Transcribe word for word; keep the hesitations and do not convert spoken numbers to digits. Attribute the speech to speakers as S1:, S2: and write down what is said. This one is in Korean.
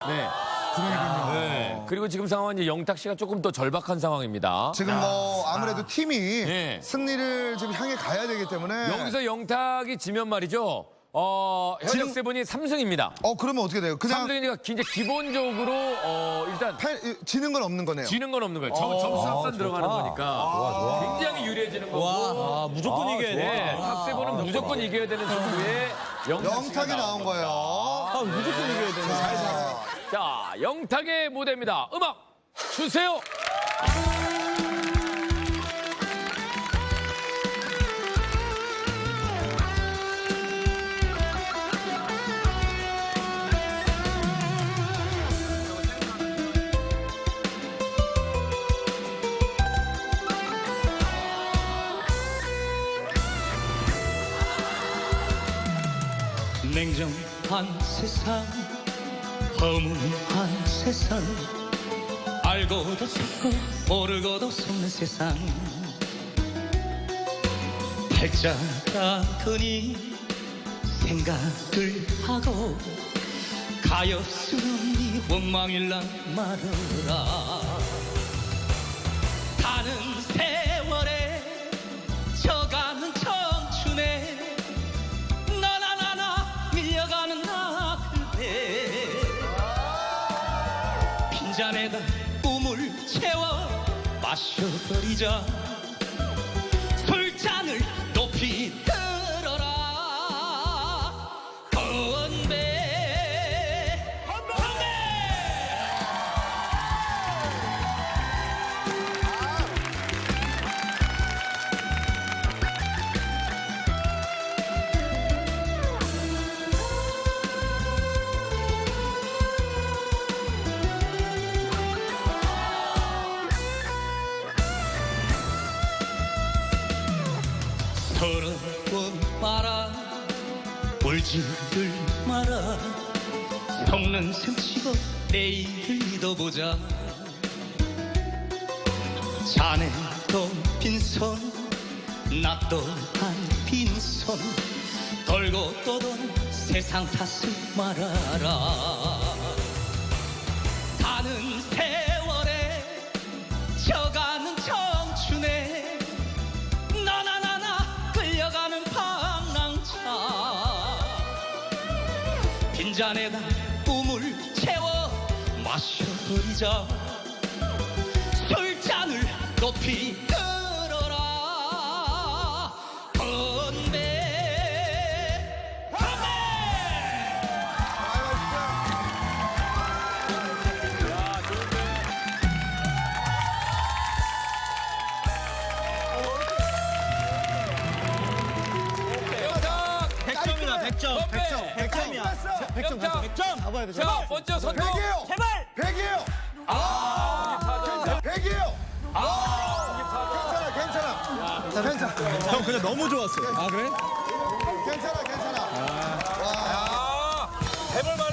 S1: 네.
S2: 그러니군요.
S1: 네. 그리고 지금 상황은 이제 영탁 씨가 조금 더 절박한 상황입니다.
S2: 지금 뭐 아무래도 팀이
S1: 네.
S2: 승리를 지금 향해 가야 되기 때문에
S1: 여기서 영탁이 지면 말이죠. 어, 현역
S2: 지금-
S1: 세븐이 삼 승입니다.
S2: 어 그러면 어떻게 돼요? 그냥
S1: 삼 승이니까 이제 기본적으로 어, 일단
S2: 패, 지는 건 없는 거네요.
S1: 지는 건 없는 거예요. 점, 점수 합산 들어가는 거니까 굉장히 유리해지는 거고.
S3: 아, 무조건 이겨야
S1: 네,
S3: 돼.
S1: 학세븐은 무조건 이겨야 되는 승부에 영탁 씨가
S2: 영탁이 나온 거예요.
S3: 아, 무조건 이겨야 되는.
S1: 자, 영탁의 무대입니다. 음악 주세요.
S4: 냉정한 세상, 허무한 세상, 알고도 속고 모르고도 속는 세상. 발자락으니 생각을 하고 가엾은 이 원망일랑 말어라. 가는 세월에 져가는 청춘에 너나 나나 밀려가는 나그대 빈잔에다 꿈을 채워 마셔버리자. 술잔을 높이 들어라. 건배 건배. 서러워 마라. 울지를 마라. 속는 셈치고 내일을 믿어보자. 자네도 빈손 나 또한 빈손 돌고 떠돈 세상 탓을 말아라. 가는 세월에 져가는 청춘에 너나 나나 끌려가는 방랑차. 빈잔에다 꿈을 채워 마셔버리자. 술잔을 높이 들어라. 건배 건배.
S1: 영탁
S3: 백 점이다, 백 점.
S1: 건배.
S3: 백 점이야. 백 점,
S1: 영탁.
S3: 백 점. 잡아야 돼.
S1: 자, 먼저 선동.
S2: 백이에요.
S3: 제발.
S2: 백이에요. 아, 백이에요. 아, 괜찮아, 괜찮아. 괜찮아.
S3: 형 그냥 너무 좋았어. 아, 그래?
S2: 괜찮아, 괜찮아.
S1: 해볼 만